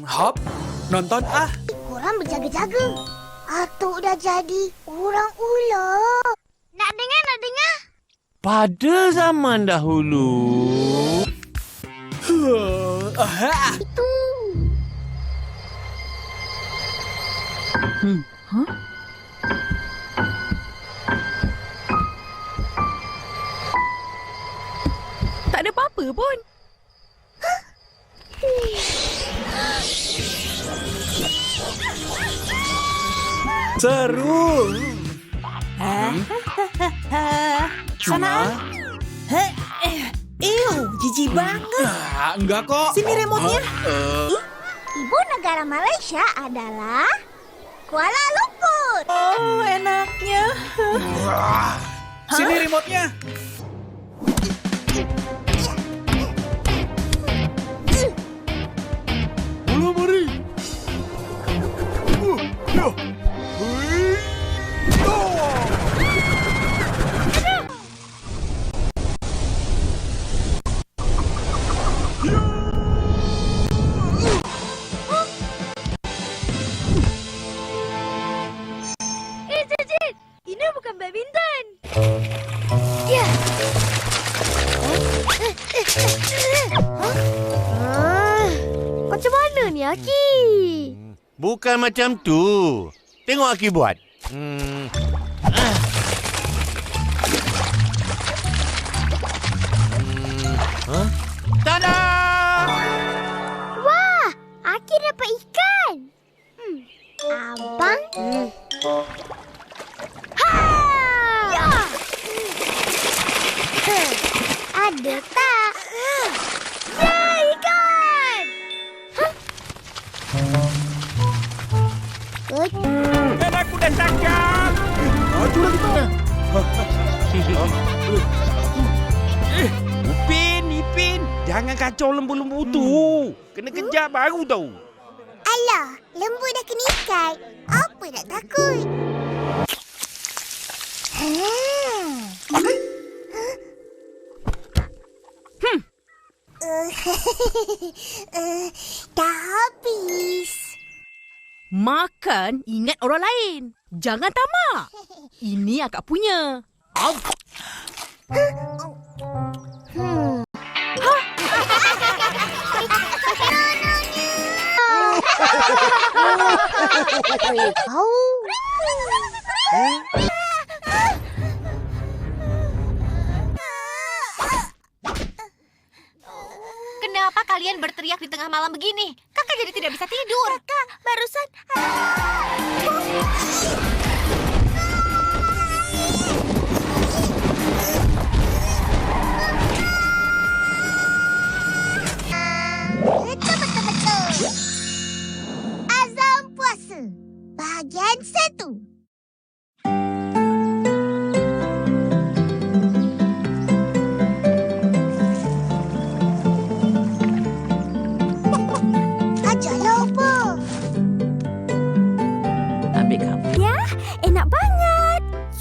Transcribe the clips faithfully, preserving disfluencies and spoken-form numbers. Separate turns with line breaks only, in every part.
Hop, nonton ah.
Korang berjaga-jaga. Atuk dah jadi orang ular. Nak dengar, nak dengar?
Pada zaman dahulu.
Aha.
Itu.
Hmm. Huh? Tak ada apa-apa pun.
Seru.
Sana. Ew, jijik banget.
Ah, enggak kok.
Sini remote-nya.
Uh, uh.
Ibu negara Malaysia adalah Kuala Lumpur.
Oh, enaknya.
Wah. Sini remote-nya. Bola mari. Uh, ya. Hui. Oh.
Eh, Cicit. Ini bukan badminton. Ya. Ah, macam mana ni, Aki?
Bukan macam tu. Tengok Aki buat. Hmm. Ah. Hmm. Huh? Tada!
Wah, Aki dapat ikan. Hmm. Abang? Hmm. Ha! Ya! Hmm. Ada tak? Ya, ikan! Hah? Good.
Dan aku dah tangkap.
Maju lagi tak?
Eh, Upin, Ipin, jangan kacau lembu-lembu tu. Kena kejar baru tahu.
Alah, lembu dah kena ikat. Apa nak takut? Ha.
Hmm.
Uh, uh, dah habis.
Makan ingat orang lain. Jangan tamak. Ini akak punya.
Hmm.
Kenapa kalian berteriak di tengah malam begini? Kakak jadi tidak bisa tidur.
Kakak, barusan... Betul-betul-betul. Azam puasa. Bahagian satu. Ajarlah apa?
Ambil kamu.
Ya, enak banget.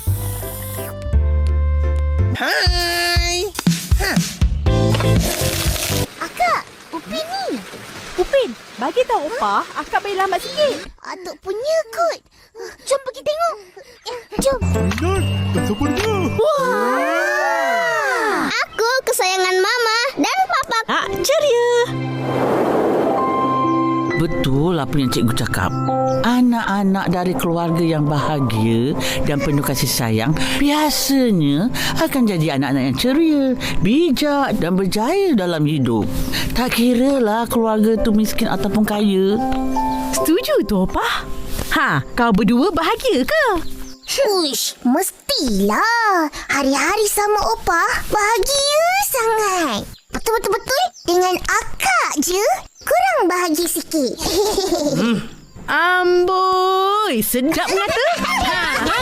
Hai.
Akak, Upin ni.
Upin, bagi tahu Opah, akak boleh lambat sikit.
Atuk punya kot. Jom pergi tengok. Jom.
Nan, dah sempurna.
Wah! Aku kesayangan Mama dan Papa.
Ah, ceria.
Betul apa yang cikgu cakap. Anak-anak dari keluarga yang bahagia dan penuh kasih sayang biasanya akan jadi anak-anak yang ceria, bijak dan berjaya dalam hidup. Tak kiralah keluarga tu miskin ataupun kaya.
Setuju tu Opah. Ha, kau berdua bahagia ke?
Uish, mestilah. Hari-hari sama Opah bahagia sangat. Betul-betul-betul dengan akak je kurang bahagia sikit.
Hmm. Amboi, sedap mengata. Ha, ha.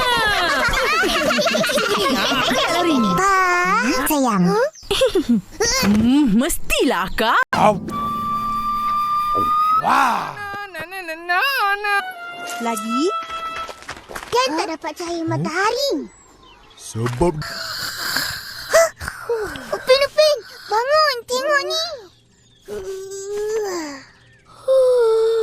Ha, lari.
Pa, sayang.
Hmm, mestilah akak.
Wah.
Lagi?
Kan tak dapat cahaya matahari.
Sebab
Upin, Upin, bangun, tengok ni.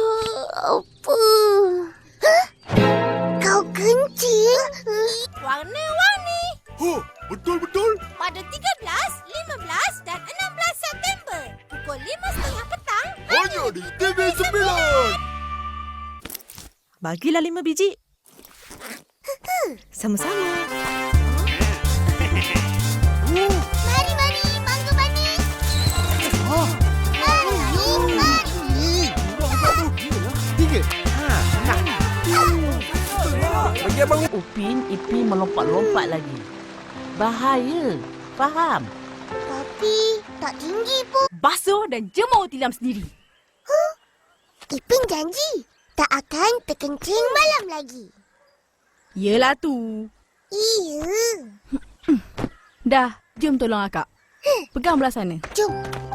Apa? Hah? Kau kencing?
Warna-warni
Oh, betul-betul.
pada tiga belas, lima belas dan enam belas September pukul lima tiga puluh petang.
Hanya di T V sembilan.
Bagilah lima biji. Sama-sama.
Mari, mari, mangga manis. Mari, mari.
Tiga.
Bagi abang.
Upin, Ipin melompat-lompat lagi. Bahaya. Faham?
Tapi tak tinggi pun.
Basuh dan jemur tilam sendiri.
Ipin janji tak akan terkencing malam lagi.
Yelah tu.
Iya.
Dah, jom tolong akak. Pegang belah sana.
Jom.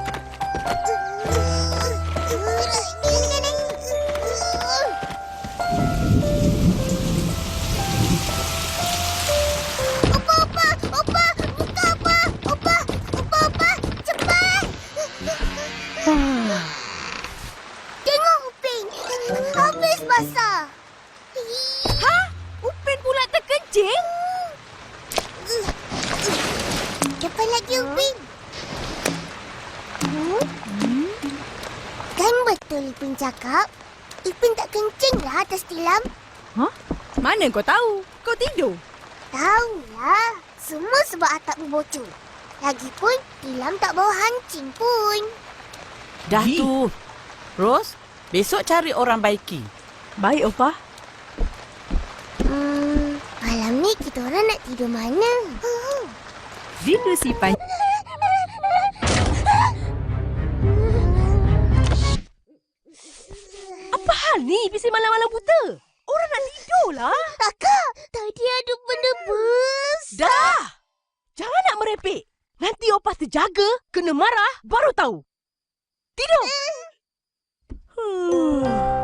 Opa, opa, opa, buka opa, opa, opa, opa, cepat. Tengok Upin, habis basah.
Ha? Upin pula terkencing?
Cepat lagi Upin. Hmm? Kan betul Ipin cakap, Ipin tak kencing lah atas tilam.
Ha? Mana kau tahu? Kau tidur.
Tahulah, semua sebab atap berbocor. Lagipun, tilam tak bau hancing pun.
Dah tu. Ros, besok cari orang baiki.
Baik, Opah.
Hmm, malam ni kita orang nak tidur mana?
Rindu sipan. Apa hal ni? Bising malam-malam buta. Orang nak tidur lah.
Kakak, tadi ada benda bus.
Dah! Jangan nak merepek. Nanti Opah terjaga, kena marah, baru tahu. Tidur. Hmm.